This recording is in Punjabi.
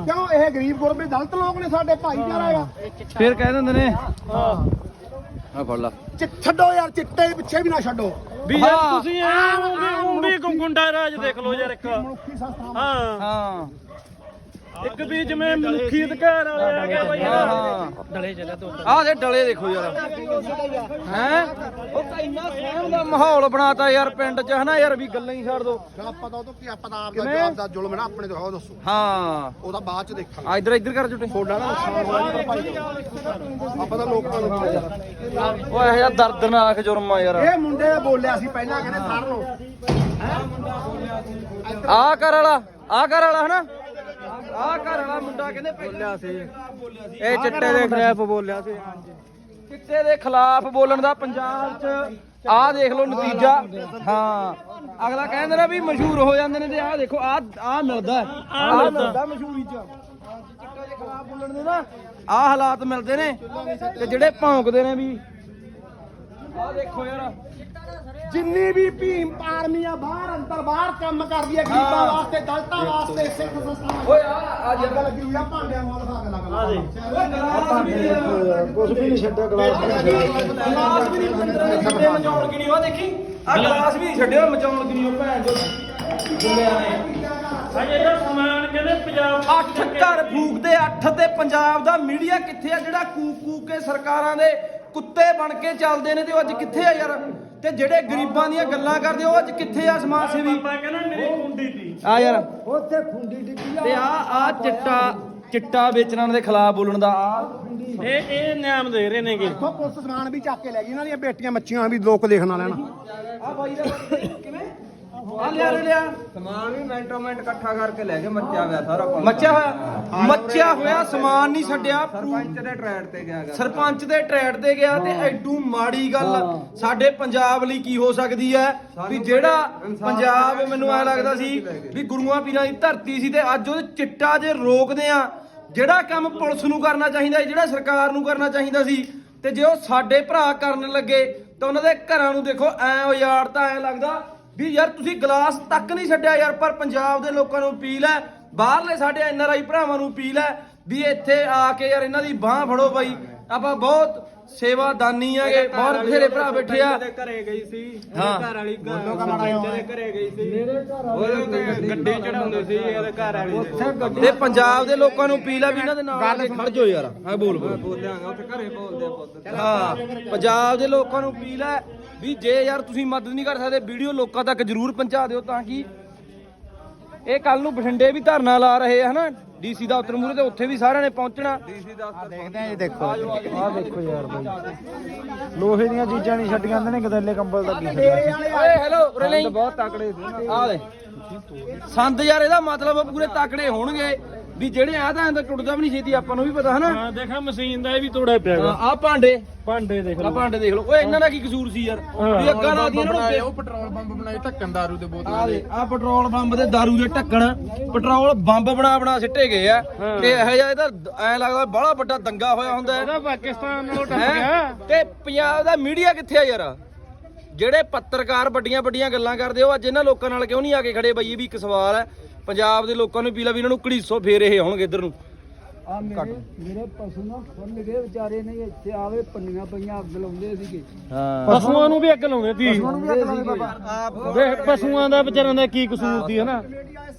ਕਿਉਂ ਇਹ ਗਰੀਬ ਗੁਰਬੇ ਦਲਤ ਲੋਕ ਨੇ ਸਾਡੇ ਭਾਈਚਾਰਾ ਹੈਗਾ ਫਿਰ ਕਹਿ ਦਿੰਦੇ ਨੇ ਹਾਂ ਆ ਫੜ ਲਾ ਛੱਡੋ ਯਾਰ ਚਿੱਟੇ ਪਿੱਛੇ ਵੀ ਨਾ ਛੱਡੋ ਵੀ ਯਾਰ ਤੁਸੀਂ ਉਹ ਵੀ ਗੁੰਡਾ ਰਾਜ ਦੇਖ ਲਓ ਯਾਰ ਇੱਕ ਮਨੁੱਖੀ ਸੰਸਥਾਵਾਂ ਹਾਂ ਹਾਂ ਇੱਕ ਵੀ ਜਿਵੇਂ ਮਨੁੱਖੀ ਅਧਿਕਾਰ ਵਾਲੇ ਆ ਗਏ ਬਾਈ ਹਾਂ ਹਾਂ ਡਲੇ ਚੱਲਿਆ ਤੂੰ ਆਹ ਦੇ ਡਲੇ ਦੇਖੋ ਯਾਰ ਹੈ ਉਹ ਤਾਂ ਇੰਨਾ ਸਹਿਮ ਦਾ ਮਾਹੌਲ ਬਣਾਤਾ ਯਾਰ ਪਿੰਡ 'ਚ ਹਨਾ ਯਾਰ ਵੀ ਗੱਲਾਂ ਹੀ ਛੱਡ ਦੋ ਪਤਾ ਉਹ ਤੋਂ ਕੀ ਪਤਾ ਆਪ ਦਾ ਜਵਾਬ ਦਾ ਜ਼ੁਲਮ ਨਾ ਆਪਣੇ ਤੋਂ ਉਹ ਦੱਸੋ ਹਾਂ ਉਹਦਾ ਬਾਅਦ ਚ ਦੇਖਾਂਗੇ ਆ ਇੱਧਰ ਕਰ ਜੁਟੇ ਥੋੜਾ ਨਾ ਨੁਕਸਾਨ ਹੋਇਆ ਜੀ ਭਾਈ ਆਪਾਂ ਤਾਂ ਲੋਕਾਂ ਨੂੰ ਓਏ ਇਹ ਜਿਹਾ ਦਰਦਨਾਕ ਜੁਰਮ ਆ ਯਾਰ ਇਹ ਮੁੰਡੇ ਨੇ ਬੋਲਿਆ ਸੀ ਪਹਿਲਾਂ ਕਹਿੰਦੇ ਫੜ ਲਓ ਆ ਕਰ ਵਾਲਾ ਹਨਾ ਆ ਘਰ ਵਾਲਾ ਮੁੰਡਾ ਕਹਿੰਦੇ ਬੋਲਿਆ ਸੀ ਇਹ ਚਿੱਟੇ ਦੇ ਖਿਲਾਫ ਬੋਲਿਆ ਸੀ ਚਿੱਟੇ ਦੇ ਖਿਲਾਫ ਬੋਲਣ ਦਾ ਪੰਜਾਬ 'ਚ ਆਹ ਦੇਖ ਲਓ ਨਤੀਜਾ ਹਾਂ ਅਗਲਾ ਕਹਿੰਦੇ ਨਾ ਵੀ ਮਸ਼ਹੂਰ ਹੋ ਜਾਂਦੇ ਨੇ ਤੇ ਆਹ ਦੇਖੋ ਆਹ ਮਿਲਦਾ ਮਸ਼ਹੂਰੀ 'ਚ ਚਿੱਟੇ ਦੇ ਖਿਲਾਫ ਬੋਲਣ ਦੇ ਨਾ ਆਹ ਹਾਲਾਤ ਮਿਲਦੇ ਨੇ ਤੇ ਜਿਹੜੇ ਭੌਂਕਦੇ ਨੇ ਵੀ ਆਹ ਦੇਖੋ ਯਾਰ ਜਿੰਨੀ ਵੀ ਭੀਮ ਆਰਮੀਆਂ ਬਾਹਰ ਅੰਦਰ ਬਾਹਰ ਕੰਮ ਕਰਦੀ ਹੈ ਗਰੀਬਾਂ ਵਾਸਤੇ ਦਲਤਾਂ ਵਾਸਤੇ ਸਿੱਖ ਸੰਸਥਾਵਾਂ ਓਏ ਆ ਜੱਗ ਲੱਗੀ ਹੋਈ ਆ ਭਾਂਡਿਆਂ ਵਾਲ ਖਾ ਕੇ ਲੱਗ ਆ ਦੇ ਕੁਝ ਵੀ ਨਹੀਂ ਛੱਡਿਆ ਗਲਾਸ ਗਲਾਸ ਵੀ ਨਹੀਂ ਬੰਦਰੇ ਮਚਾਉਣ ਕਿ ਨਹੀਂ ਉਹ ਦੇਖੀ ਆ ਗਲਾਸ ਵੀ ਛੱਡਿਓ ਮਚਾਉਣ ਕਿ ਨਹੀਂ ਉਹ ਭੈਣ ਜੋ ਦੁਨੀਆ ਨੇ ਭਾਈ ਇਹਦਾ ਸਮਾਨ ਕਹਿੰਦੇ ਪੰਜਾਬ 8 ਘਰ ਫੂਕਦੇ 8 ਤੇ ਪੰਜਾਬ ਦਾ ਮੀਡੀਆ ਕਿੱਥੇ ਆ ਜਿਹੜਾ ਕੂਕ ਕੇ ਸਰਕਾਰਾਂ ਦੇ ਕੁੱਤੇ ਬਣ ਕੇ ਚੱਲਦੇ ਨੇ ਤੇ ਉਹ ਅੱਜ ਕਿੱਥੇ ਆ ਯਾਰ ਤੇ ਜਿਹੜੇ ਗਰੀਬਾਂ ਦੀਆਂ ਗੱਲਾਂ ਕਰਦੇ ਉਹ ਅੱਜ ਕਿੱਥੇ ਆ ਸਮਾਜ ਸੇਵੀ ਪਾਪਾ ਕਹਿੰਦਾ ਮੇਰੀ ਖੁੰਡੀ ਸੀ ਆ ਯਾਰ ਉੱਥੇ ਖੁੰਡੀ ਡਿੱਗੀ ਤੇ ਆ ਚਿੱਟਾ ਵੇਚਣ ਦੇ ਖਿਲਾਫ ਬੋਲਣ ਦਾ ਇਹ ਨਿਯਮ ਦੇ ਰਹੇ ਨੇਗੇ ਦੇਖੋ ਪੁਲਿਸ ਸਮਾਨ ਵੀ ਚੱਕ ਕੇ ਲੈ ਗਈ ਇਹਨਾਂ ਦੀਆਂ ਬੇਟੀਆਂ ਮੱਛੀਆਂ ਵੀ ਲੋਕ ਦੇਖਣ ਵਾਲਿਆਂ ਨੂੰ ਆ ਬਾਈ ਦਾ ਕਿਵੇਂ ਆ ਲਿਆ ਸਮਾਨ ਵੀ ਮਿੰਟੋ ਮਿੰਟ ਇਕੱਠਾ ਕਰਕੇ ਲੈ ਕੇ ਮੱਚਿਆ ਹੋਇਆ ਸਾਰਾ ਕੁਝ ਮੱਚਿਆ ਹੋਇਆ ਸਮਾਨ ਨਹੀਂ ਛੱਡਿਆ ਸਰਪੰਚ ਦੇ ਟਰੈਡ ਤੇ ਗਿਆ ਸਰਪੰਚ ਦੇ ਟਰੈਡ ਤੇ ਗਿਆ ਤੇ ਐਡੂ ਮਾੜੀ ਗੱਲ ਸਾਡੇ ਪੰਜਾਬ ਲਈ ਕੀ ਹੋ ਸਕਦੀ ਹੈ ਵੀ ਜਿਹੜਾ ਪੰਜਾਬ ਮੈਨੂੰ ਐ ਲੱਗਦਾ ਸੀ ਵੀ ਗੁਰੂਆਂ ਪੀਰਾਂ ਦੀ ਧਰਤੀ ਸੀ ਤੇ ਅੱਜ ਉਹ ਚਿੱਟਾ ਜੇ ਰੋਕਦੇ ਆ ਜਿਹੜਾ ਕੰਮ ਪੁਲਿਸ ਨੂੰ ਕਰਨਾ ਚਾਹੀਦਾ ਜਿਹੜਾ ਸਰਕਾਰ ਨੂੰ ਕਰਨਾ ਚਾਹੀਦਾ ਸੀ ਤੇ ਜੇ ਉਹ ਸਾਡੇ ਭਰਾ ਕਰਨ ਲੱਗੇ ਤਾਂ ਉਹਨਾਂ ਦੇ ਘਰਾਂ ਨੂੰ ਦੇਖੋ ਐ ਉਜਾੜ ਤਾਂ ਐ ਲੱਗਦਾ ਵੀ ਯਾਰ ਤੁਸੀਂ ਗਲਾਸ ਤੱਕ ਨਹੀਂ ਛੱਡਿਆ ਯਾਰ ਪਰ ਪੰਜਾਬ ਦੇ ਲੋਕਾਂ ਨੂੰ ਅਪੀਲ ਹੈ ਬਾਹਰਲੇ ਸਾਡੇ ਐਨਆਰਆਈ ਭਰਾਵਾਂ ਨੂੰ ਅਪੀਲ ਹੈ ਵੀ ਇੱਥੇ ਆ ਕੇ ਯਾਰ ਇਹਨਾਂ ਦੀ ਬਾਹ ਫੜੋ ਬਾਈ ਆਪਾਂ ਬਹੁਤ ਸੇਵਾਦਾਨੀ ਆਗੇ ਬਹੁਤ ਬਥੇਰੇ ਭਰਾ ਬੈਠੇ ਆ ਘਰੇ ਗਈ ਸੀ ਹਾਂ ਘਰ ਵਾਲੀ ਦੇ ਘਰੇ ਗਈ ਸੀ ਮੇਰੇ ਘਰ ਗੱਡੀ ਚੜਾਉਂਦੇ ਸੀ ਇਹਦੇ ਘਰ ਵਾਲੀ ਤੇ ਪੰਜਾਬ ਦੇ ਲੋਕਾਂ ਨੂੰ ਅਪੀਲ ਆ ਵੀ ਇਹਨਾਂ ਦੇ ਨਾਲ ਖੜ ਜਾਓ ਯਾਰ ਹਾਂ ਬੋਲ ਬੋਲਿਆਂਗਾ ਉੱਥੇ ਘਰੇ ਬੋਲਦੇ ਆ ਪੁੱਤ ਹਾਂ ਪੰਜਾਬ ਦੇ ਲੋਕਾਂ ਨੂੰ ਅਪੀਲ ਹੈ ਵੀ ਜੇ ਯਾਰ ਤੁਸੀਂ ਮਦਦ ਨਹੀਂ ਕਰ ਸਕਦੇ ਵੀਡੀਓ ਲੋਕਾਂ ਤੱਕ ਜਰੂਰ ਪਹੁੰਚਾ ਦਿਓ ਤਾਂ ਕਿ ਇਹ ਕੱਲ ਨੂੰ ਬਠਿੰਡੇ ਵੀ ਧਰਨਾ ਲਾ ਰਹੇ ਆ ਹਨਾ ਡੀਸੀ ਦਾ ਉਤਰ ਮੂਰੇ ਤੇ ਉੱਥੇ ਵੀ ਸਾਰਿਆਂ ਨੇ ਪਹੁੰਚਣਾ ਡੀਸੀ ਦਾ ਦੇਖਦੇ ਆ ਇਹ ਦੇਖੋ ਆਹ ਦੇਖੋ ਯਾਰ ਬਾਈ ਲੋਹੇ ਦੀਆਂ ਚੀਜ਼ਾਂ ਨਹੀਂ ਛੱਡੀਆਂ ਜਾਂਦੇ ਨੇ ਗਦੈਲੇ ਕੰਬਲ ਦਾ ਕੀ ਓਏ ਹੈਲੋ ਉਰੇ ਲਈ ਬਹੁਤ ਤਕੜੇ ਸੀ ਆ ਦੇ ਸੰਦ ਯਾਰ ਇਹਦਾ ਮਤਲਬ ਪੂਰੇ ਤਾਕੜੇ ਹੋਣਗੇ ਵੀ ਜਿਹੜੇ ਆ ਤਾਂ ਐਂ ਟੁੱਟਦਾ ਵੀ ਨਹੀਂ ਛੇਤੀ ਆਪਾਂ ਨੂੰ ਵੀ ਪਤਾ ਹਨਾ ਹਾਂ ਦੇਖਾ ਮਸ਼ੀਨ ਦਾ ਇਹ ਵੀ ਤੋੜਿਆ ਪਿਆਗਾ ਆ ਭਾਂਡੇ ਭਾਂਡੇ ਦੇਖ ਆ ਲਓ ਭਾਂਡੇ ਦੇਖ ਲਓ ਓਏ ਇਹਨਾਂ ਦਾ ਕੀ ਕਸੂਰ ਸੀ ਯਾਰ ਵੀ ਅੱਗਾ ਲਾ ਦੀ ਇਹਨਾਂ ਨੂੰ ਪੈਟਰੋਲ ਪੰਪ ਬਣਾਏ ਢੱਕਣ ਦਾਰੂ ਦੇ ਬੋਤਲ ਆ ਦੇ ਆ ਪੈਟਰੋਲ ਪੰਪ ਦੇ ਦਾਰੂ ਦੇ ਢੱਕਣ ਪੈਟਰੋਲ ਬੰਬ ਬਣਾ ਸਿੱਟੇ ਗਏ ਆ ਤੇ ਇਹੋ ਜਿਹਾ ਇਹਦਾ ਐ ਲੱਗਦਾ ਬੜਾ ਵੱਡਾ ਦੰਗਾ ਹੋਇਆ ਹੁੰਦਾ ਹੈ ਇਹਦਾ ਪਾਕਿਸਤਾਨ ਨਾਲੋਂ ਟੱਪ ਹੈਂ? ਗਿਆ ਤੇ ਪੰਜਾਬ ਦਾ ਮੀਡੀਆ ਕਿੱਥੇ ਆ ਯਾਰ ਜਿਹੜੇ ਪੱਤਰਕਾਰ ਵੱਡੀਆਂ ਗੱਲਾਂ ਕਰਦੇ ਉਹ ਅੱਜ ਇਹਨਾਂ ਲੋਕਾਂ ਨਾਲ ਕਿਉਂ ਨਹੀਂ ਆ ਕੇ ਖੜੇ ਬਈ ਇਹ ਵੀ ਇੱਕ ਸਵਾਲ ਹੈ ਪੰਜਾਬ ਦੇ ਲੋਕਾਂ ਨੂੰ ਪੀਲਾ ਵੀ ਇਹਨਾਂ ਨੂੰ ਘੜੀਸੋ ਫੇਰ ਇਹ ਆਉਣਗੇ ਇੱਧਰ ਨੂੰ ਮੇਰੇ ਪਸ਼ੂ ਨਾ ਖੁੱਲ ਗਏ ਵਿਚਾਰੇ ਨੇ ਇੱਥੇ ਆਵੇ ਪੰਨੀਆਂ ਪਈਆਂ ਅੱਗ ਲਾਉਂਦੇ ਸੀਗੇ ਹਾਂ ਪਸ਼ੂਆਂ ਨੂੰ ਵੀ ਅੱਗ ਲਾਉਂਦੇ ਸੀ ਪਸ਼ੂਆਂ ਨੂੰ ਵੀ ਅੱਗ ਲਾਉਂਦੇ ਬਾਬਾ ਦੇਖ ਪਸ਼ੂਆਂ ਦਾ ਵਿਚਾਰਿਆਂ ਦਾ ਕੀ ਕਸੂਰ ਸੀ ਹਨਾ